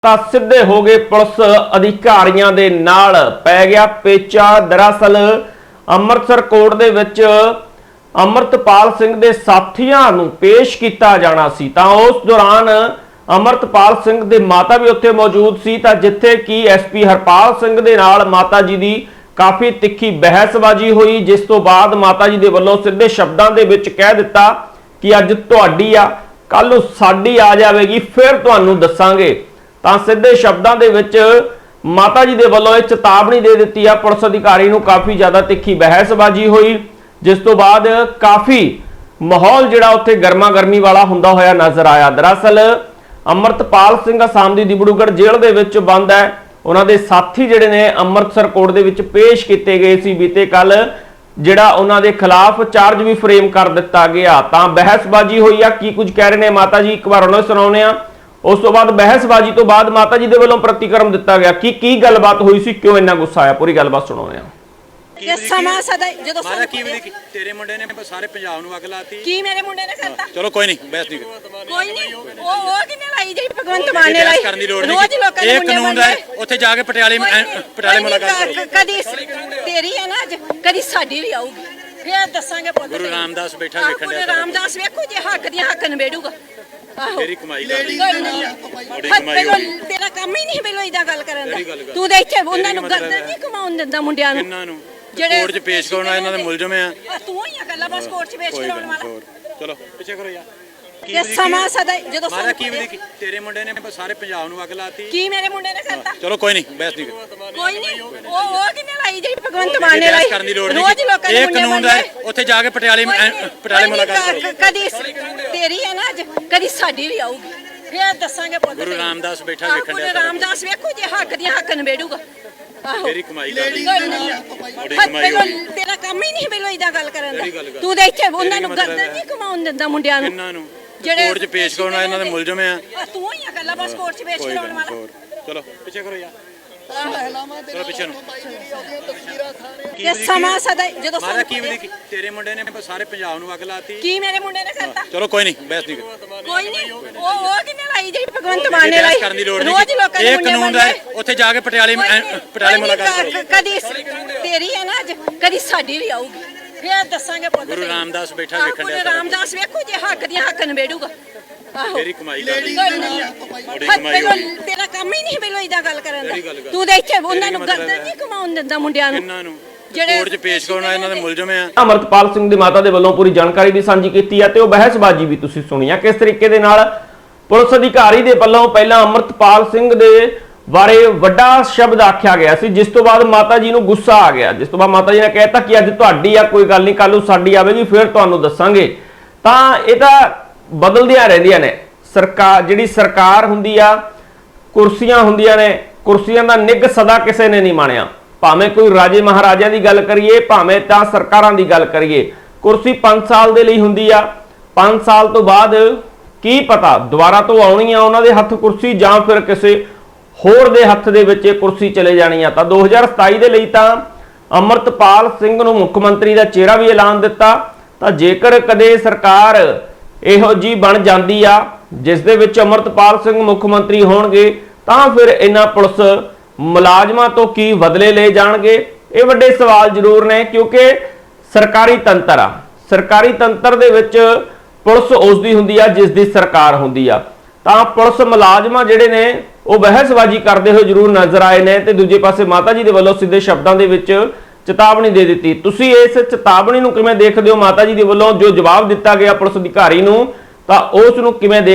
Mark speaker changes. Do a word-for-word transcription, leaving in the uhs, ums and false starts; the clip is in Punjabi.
Speaker 1: ਤਾਂ ਸਿੱਧੇ ਹੋ ਗਏ ਪੁਲਿਸ ਅਧਿਕਾਰੀਆਂ ਦੇ ਨਾਲ ਪੈ ਗਿਆ ਪੇਚਾ। ਦਰਅਸਲ ਅੰਮ੍ਰਿਤਸਰ ਕੋਰਟ ਦੇ ਵਿੱਚ ਅਮਰਤਪਾਲ ਸਿੰਘ ਦੇ ਸਾਥੀਆਂ ਨੂੰ ਪੇਸ਼ ਕੀਤਾ ਜਾਣਾ ਸੀ, ਤਾਂ ਉਸ ਦੌਰਾਨ ਅਮਰਤਪਾਲ ਸਿੰਘ ਦੇ ਮਾਤਾ ਵੀ ਉੱਥੇ ਮੌਜੂਦ ਸੀ, ਤਾਂ ਜਿੱਥੇ ਕਿ ਐਸਪੀ ਹਰਪਾਲ ਸਿੰਘ ਦੇ ਨਾਲ ਮਾਤਾ ਜੀ ਦੀ ਕਾਫੀ ਤਿੱਖੀ ਬਹਿਸਬਾਜ਼ੀ ਹੋਈ, ਜਿਸ ਤੋਂ ਬਾਅਦ ਮਾਤਾ ਜੀ ਦੇ ਵੱਲੋਂ ਸਿੱਧੇ ਸ਼ਬਦਾਂ ਦੇ ਵਿੱਚ ਕਹਿ ਦਿੱਤਾ ਕਿ ਅੱਜ ਤੁਹਾਡੀ ਆ, ਕੱਲ ਨੂੰ ਸਾਡੀ ਆ ਜਾਵੇਗੀ, ਫਿਰ ਤੁਹਾਨੂੰ ਦੱਸਾਂਗੇ। ਤਾਂ ਸਿੱਧੇ ਸ਼ਬਦਾਂ ਦੇ ਵਿੱਚ ਮਾਤਾ ਜੀ ਦੇ ਵੱਲੋਂ ਇਹ ਚੇਤਾਵਨੀ ਦੇ ਦਿੱਤੀ ਆ ਪੁਲਿਸ ਅਧਿਕਾਰੀ ਨੂੰ। ਕਾਫੀ ਜ਼ਿਆਦਾ ਤਿੱਖੀ ਬਹਿਸਬਾਜ਼ੀ ਹੋਈ, ਜਿਸ ਤੋਂ ਬਾਅਦ ਕਾਫੀ ਮਾਹੌਲ ਜਿਹੜਾ ਉੱਥੇ ਗਰਮਾ ਗਰਮੀ ਵਾਲਾ ਹੁੰਦਾ ਹੋਇਆ ਨਜ਼ਰ ਆਇਆ। ਦਰਅਸਲ ਅਮਰਤਪਾਲ ਸਿੰਘ ਅਸਾਮ ਦੀ ਦਿਬੜੂਗੜ੍ਹ ਜੇਲ੍ਹ ਦੇ ਵਿੱਚ ਬੰਦ ਹੈ। ਉਹਨਾਂ ਦੇ ਸਾਥੀ ਜਿਹੜੇ ਨੇ ਅੰਮ੍ਰਿਤਸਰ ਕੋਰਟ ਦੇ ਵਿੱਚ ਪੇਸ਼ ਕੀਤੇ ਗਏ ਸੀ ਬੀਤੇ ਕੱਲ, ਜਿਹੜਾ ਉਹਨਾਂ ਦੇ ਖਿਲਾਫ ਚਾਰਜ ਵੀ ਫਰੇਮ ਕਰ ਦਿੱਤਾ ਗਿਆ। ਤਾਂ ਬਹਿਸਬਾਜ਼ੀ ਹੋਈ ਆ, ਕੀ ਕੁਝ ਕਹਿ ਰਹੇ ਨੇ ਮਾਤਾ ਜੀ, ਇੱਕ ਵਾਰ ਉਹਨਾਂ ਨੂੰ ਸੁਣਾਉਂਦੇ ਆ। ਉਸ ਤੋਂ ਬਾਅਦ ਬਹਿਸਬਾਜ਼ੀ ਤੋਂ ਬਾਅਦ ਮਾਤਾ ਜੀ ਦੇ ਵੱਲੋਂ ਪ੍ਰਤੀਕਰਮ ਦਿੱਤਾ ਗਿਆ। ਕੀ ਕੀ ਗੱਲਬਾਤ ਹੋਈ ਸੀ, ਕਿਉਂ ਇੰਨਾ ਗੁੱਸਾ ਆਇਆ, ਪੂਰੀ ਗੱਲਬਾਤ ਸੁਣਾਉਂਦੇ ਆ।
Speaker 2: ਇਹ ਸਮਾਂ ਸਦਾ ਜਦੋਂ
Speaker 3: ਮਾਰਾ ਕੀ ਵੀ ਤੇਰੇ ਮੁੰਡੇ ਨੇ ਸਾਰੇ ਪੰਜਾਬ ਨੂੰ ਅੱਗ ਲਾਤੀ।
Speaker 2: ਕੀ ਮੇਰੇ ਮੁੰਡੇ ਨੇ ਕਰਤਾ?
Speaker 3: ਚਲੋ ਕੋਈ ਨਹੀਂ, ਬਹਿਸ ਨਹੀਂ
Speaker 2: ਕੋਈ ਨਹੀਂ। ਉਹ ਉਹ ਕਿੰਨੇ ਲਾਈ ਜਿਹੜੀ ਭਗਵੰਤ ਮਾਨ ਨੇ ਲਾਈ,
Speaker 3: ਕਰਨ ਦੀ ਲੋੜ ਨਹੀਂ।
Speaker 2: ਰੋਜ਼ ਲੋਕਾਂ ਦੇ
Speaker 3: ਇਹ
Speaker 2: ਮੁੰਡੇ
Speaker 3: ਕਾਨੂੰਨ ਹੈ, ਉੱਥੇ ਜਾ ਕੇ ਪਟਿਆਲੇ ਪਟਿਆਲੇ ਮੁਲਾਕਾਤ ਕਰੋ।
Speaker 2: ਕਦੀ ਤੇਰੀ ਹੈ ਨਾ ਅੱਜ, ਕਦੀ ਸਾਡੀ ਵੀ ਆਊਗੀ, ਫਿਰ ਦੱਸਾਂਗੇ ਪੁੱਤ।
Speaker 3: ਗੁਰੂ ਰਾਮਦਾਸ ਬੈਠਾ ਵੇਖਣ
Speaker 2: ਗੁਰੂ ਰਾਮਦਾਸ ਵੇਖੋ ਜੇ ਹੱਕ ਦੀਆਂ ਹੱਕ ਨਿਬੇੜੂਗਾ। ਆਹੋ
Speaker 3: ਤੇਰੀ ਕਮਾਈ ਕਰ ਲਈ,
Speaker 2: ਬੜੀ ਕਮਾਈ ਹੋਈ। ਤੇਰਾ ਕੰਮ ਹੀ ਨਹੀਂ ਬੇਲੋ ਇਦਾਂ ਗੱਲ ਕਰਨ ਦਾ। ਤੂੰ ਤਾਂ ਇੱਥੇ ਉਹਨਾਂ ਨੂੰ ਗਰਦਨ ਨਹੀਂ ਕਮਾਉਣ ਦਿੰਦਾ ਮੁੰਡਿਆਂ ਨੂੰ।
Speaker 3: ਇਹਨਾਂ ਨੂੰ ਕੋਰਟ 'ਚ ਪੇਸ਼ ਕਰਨਾ, ਇਹਨਾਂ ਦੇ ਮੁਲਜ਼ਮ ਆ।
Speaker 2: ਤੂੰ ਹੀ ਆ ਗੱਲਾਂ ਬਸ ਕੋਰਟ 'ਚ ਪੇਸ਼ ਕਰਾਉਣ ਵਾਲਾ।
Speaker 3: ਚਲੋ ਪਿੱਛੇ ਕਰੋ ਯਾਰ।
Speaker 2: ਇਹ ਸਮਾਂ ਸਦਾ ਜਦੋਂ
Speaker 3: ਮਾਰਾ ਕੀ ਵੀ ਤੇਰੇ ਮੁੰਡੇ ਨੇ ਸਾਰੇ ਪੰਜਾਬ ਨੂੰ ਅੱਗ ਲਾਤੀ।
Speaker 2: ਕੀ ਮੇਰੇ ਮੁੰਡੇ ਨੇ ਕਰਤਾ?
Speaker 3: ਚਲੋ ਕੋਈ ਨਹੀਂ, ਬਹਿਸ ਨਹੀਂ
Speaker 2: ਕੋਈ ਨਹੀਂ। ਉਹ ਉਹ ਕਿੰਨੇ ਲਾਈ ਜਿਹੜੀ ਭਗਵੰਤ ਮਾਨ ਨੇ ਲਾਈ,
Speaker 3: ਕਰਨ ਦੀ ਲੋੜ ਨਹੀਂ।
Speaker 2: ਰੋਜ਼ ਲੋਕਾਂ ਦੇ
Speaker 3: ਇਹ
Speaker 2: ਮੁੰਡੇ
Speaker 3: ਕਾਨੂੰਨ ਹੈ, ਉੱਥੇ ਜਾ ਕੇ ਪਟਿਆਲੇ ਪਟਿਆਲੇ ਮੁਲਾਕਾਤ ਕਰੋ।
Speaker 2: ਕਦੀ ਤੇਰੀ ਹੈ ਨਾ ਅੱਜ, ਕਦੀ ਸਾਡੀ ਵੀ ਆਊਗੀ, ਫਿਰ ਦੱਸਾਂਗੇ ਪੁੱਤ।
Speaker 3: ਗੁਰੂ ਰਾਮਦਾਸ ਬੈਠਾ ਵੇਖਣ
Speaker 2: ਗੁਰੂ ਰਾਮਦਾਸ ਵੇਖੋ ਜੇ ਹੱਕ ਦੀਆਂ ਹੱਕ ਨਿਬੇੜੂਗਾ। ਆਹੋ
Speaker 3: ਤੇਰੀ ਕਮਾਈ ਕਰ ਲਈ,
Speaker 2: ਬੜੀ ਕਮਾਈ ਹੋਈ। ਤੇਰਾ ਕੰਮ ਹੀ ਨਹੀਂ ਬੇਲੋ ਇਦਾਂ ਗੱਲ ਕਰਨ ਦਾ। ਤੂੰ ਤਾਂ ਇੱਥੇ ਉਹਨਾਂ ਨੂੰ ਗਰਦਨ ਨਹੀਂ ਕਮਾਉਣ ਦਿੰਦਾ ਮੁੰਡਿਆਂ ਨੂੰ।
Speaker 3: ਇਹਨਾਂ ਨੂੰ ਕੋਰਟ 'ਚ ਪੇਸ਼ ਕਰਨਾ, ਇਹਨਾਂ ਦੇ ਮੁਲਜ਼ਮ ਆ।
Speaker 2: ਤੂੰ ਹੀ ਆ ਗੱਲਾਂ ਬਸ ਕੋਰਟ 'ਚ ਪੇਸ਼ ਕਰਾਉਣ ਵਾਲਾ।
Speaker 3: ਚਲੋ ਪਿੱਛੇ ਕਰੋ ਯਾਰ। ਚਲੋ ਪਿੱਛੇ ਨੂੰ।
Speaker 2: ਇਹ ਸਮਾਂ ਸਦਾ ਜਦੋਂ
Speaker 3: ਮਾਰਾ ਕੀ ਵੀ ਤੇਰੇ ਮੁੰਡੇ ਨੇ ਸਾਰੇ ਪੰਜਾਬ ਨੂੰ ਅੱਗ ਲਾਤੀ।
Speaker 2: ਕੀ ਮੇਰੇ ਮੁੰਡੇ ਨੇ ਕਰਤਾ?
Speaker 3: ਚਲੋ ਕੋਈ ਨਹੀਂ, ਬਹਿਸ ਨਹੀਂ
Speaker 2: ਕੋਈ ਨਹੀਂ। ਉਹ ਉਹ ਕਿੰਨੇ ਲਾਈ ਜਿਹੜੀ ਭਗਵੰਤ ਮਾਨ ਨੇ ਲਾਈ,
Speaker 3: ਕਰਨ ਦੀ ਲੋੜ ਨਹੀਂ।
Speaker 2: ਰੋਜ਼ ਲੋਕਾਂ ਦੇ
Speaker 3: ਇਹ
Speaker 2: ਮੁੰਡੇ
Speaker 3: ਕਾਨੂੰਨ ਹੈ, ਉੱਥੇ ਜਾ ਕੇ ਪਟਿਆਲੇ ਪਟਿਆਲੇ ਮੁਲਾਕਾਤ ਕਰੋ।
Speaker 2: ਕਦੀ ਤੇਰੀ ਹੈ ਨਾ ਅੱਜ, ਕਦੀ ਸਾਡੀ ਵੀ ਆਊਗੀ, ਫਿਰ ਦੱਸਾਂਗੇ ਪੁੱਤ।
Speaker 3: ਗੁਰੂ ਰਾਮਦਾਸ ਬੈਠਾ ਵੇਖਣ
Speaker 2: ਗੁਰੂ ਰਾਮਦਾਸ ਵੇਖੋ ਜੇ ਹੱਕ ਦੀਆਂ ਹੱਕ ਨਿਬੇੜੂਗਾ। ਆਹੋ
Speaker 3: ਤੇਰੀ ਕਮਾਈ ਕਰ ਲਈ,
Speaker 2: ਬੜੀ ਕਮਾਈ ਹੋਈ। ਤੇਰਾ ਕੰਮ ਹੀ ਨਹੀਂ ਬੇਲੋ ਇਦਾਂ ਗੱਲ ਕਰਨ ਦਾ। ਤੂੰ ਤਾਂ ਇੱਥੇ ਉਹਨਾਂ ਨੂੰ ਗਰਦਨ ਨਹੀਂ ਕਮਾਉਣ ਦਿੰਦਾ ਮੁੰਡਿਆਂ ਨੂੰ।
Speaker 3: ਇਹਨਾਂ ਨੂੰ ਕੋਰਟ 'ਚ ਪੇਸ਼ ਕਰਨਾ, ਇਹਨਾਂ ਦੇ ਮੁਲਜ਼ਮ ਆ।
Speaker 1: ਅਮਰਤਪਾਲ ਸਿੰਘ ਦੀ ਮਾਤਾ ਦੇ ਵੱਲੋਂ ਪੂਰੀ ਜਾਣਕਾਰੀ ਵੀ ਸਾਂਝੀ ਕੀਤੀ ਹੈ, ਤੇ ਉਹ ਬਹਿਸਬਾਜ਼ੀ ਵੀ ਤੁਸੀਂ ਸੁਣੀ ਆ ਕਿਸ ਤਰੀਕੇ ਦੇ ਨਾਲ ਪੁਲਿਸ ਅਧਿਕਾਰੀ ਦੇ ਵੱਲੋਂ ਪਹਿਲਾਂ ਅਮਰਤਪਾਲ ਸਿੰਘ ਦੇ ਬਾਰੇ ਵੱਡਾ ਸ਼ਬਦ ਆਖਿਆ ਗਿਆ ਸੀ, ਜਿਸ ਤੋਂ ਬਾਅਦ ਮਾਤਾ ਜੀ ਨੂੰ ਗੁੱਸਾ ਆ ਗਿਆ। ਜਿਸ ਤੋਂ ਬਾਅਦ ਮਾਤਾ ਜੀ ਨੇ ਕਹਿਤਾ ਕਿ ਅੱਜ ਤੁਹਾਡੀ ਆ, ਕੋਈ ਗੱਲ ਨਹੀਂ, ਕੱਲ ਨੂੰ ਸਾਡੀ ਆਵੇਗੀ, ਫਿਰ ਤੁਹਾਨੂੰ ਦੱਸਾਂਗੇ। ਤਾਂ ਇਹ ਤਾਂ ਬਦਲਦੀਆਂ ਰਹਿੰਦੀਆਂ ਨੇ। ਸਰਕਾਰ ਜਿਹੜੀ ਸਰਕਾਰ ਹੁੰਦੀ ਆ, ਕੁਰਸੀਆਂ ਹੁੰਦੀਆਂ ਨੇ, ਕੁਰਸੀਆਂ ਦਾ ਨਿੱਘ ਸਦਾ ਕਿਸੇ ਨੇ ਨਹੀਂ ਮਾਣਿਆ। ਭਾਵੇਂ ਕੋਈ ਰਾਜੇ ਮਹਾਰਾਜਿਆਂ ਦੀ ਗੱਲ ਕਰੀਏ, ਭਾਵੇਂ ਤਾਂ ਸਰਕਾਰਾਂ ਦੀ ਗੱਲ ਕਰੀਏ, ਕੁਰਸੀ ਪੰਜ ਸਾਲ ਦੇ ਲਈ ਹੁੰਦੀ ਆ। ਪੰਜ ਸਾਲ ਤੋਂ ਬਾਅਦ ਕੀ ਪਤਾ ਦੁਬਾਰਾ ਤੋਂ ਆਉਣੀ ਆ ਉਹਨਾਂ ਦੇ ਹੱਥ ਕੁਰਸੀ, ਜਾਂ ਫਿਰ ਕਿਸੇ ਹੋਰ ਦੇ ਹੱਥ ਦੇ ਵਿੱਚ ਇਹ ਕੁਰਸੀ ਚਲੇ ਜਾਣੀ ਆ। ਤਾਂ ਦੋ ਹਜ਼ਾਰ ਸਤਾਈ ਦੇ ਲਈ ਤਾਂ ਅਮਰਤਪਾਲ ਸਿੰਘ ਨੂੰ ਮੁੱਖ ਮੰਤਰੀ ਦਾ ਚਿਹਰਾ ਵੀ ਐਲਾਨ ਦਿੱਤਾ। ਤਾਂ ਜੇਕਰ ਕਦੇ ਸਰਕਾਰ ਇਹੋ ਜੀ ਬਣ ਜਾਂਦੀ ਆ ਜਿਸ ਦੇ ਵਿੱਚ ਅਮਰਤਪਾਲ ਸਿੰਘ ਮੁੱਖ ਮੰਤਰੀ ਹੋਣਗੇ, ਤਾਂ ਫਿਰ ਇਹਨਾਂ ਪੁਲਿਸ ਮੁਲਾਜ਼ਮਾਂ ਤੋਂ ਕੀ ਬਦਲੇ ਲਏ ਜਾਣਗੇ, ਇਹ ਵੱਡੇ ਸਵਾਲ ਜ਼ਰੂਰ ਨੇ। ਕਿਉਂਕਿ ਸਰਕਾਰੀ ਤੰਤਰ ਆ, ਸਰਕਾਰੀ ਤੰਤਰ ਦੇ ਵਿੱਚ ਪੁਲਿਸ ਉਸ ਦੀ ਹੁੰਦੀ ਆ ਜਿਸ ਦੀ ਸਰਕਾਰ ਹੁੰਦੀ ਆ। ਤਾਂ ਪੁਲਿਸ ਮੁਲਾਜ਼ਮਾਂ ਜਿਹੜੇ ਨੇ ਉਹ ਬਹਿਸਬਾਜ਼ੀ ਕਰਦੇ ਹੋਏ ਜ਼ਰੂਰ ਨਜ਼ਰ ਆਏ ਨੇ, ਤੇ ਦੂਜੇ ਪਾਸੇ ਮਾਤਾ ਜੀ ਦੇ ਵੱਲੋਂ ਸਿੱਧੇ ਸ਼ਬਦਾਂ ਦੇ ਵਿੱਚ ਚੇਤਾਵਨੀ ਦੇ ਦਿੱਤੀ। ਤੁਸੀਂ ਇਸ ਚੇਤਾਵਨੀ ਨੂੰ ਕਿਵੇਂ ਦੇਖਦੇ ਹੋ? ਮਾਤਾ ਜੀ ਦੇ ਵੱਲੋਂ ਜੋ ਜਵਾਬ ਦਿੱਤਾ ਗਿਆ ਪੁਲਿਸ ਅਧਿਕਾਰੀ ਨੂੰ, ਤਾਂ ਉਸ ਨੂੰ ਕਿਵੇਂ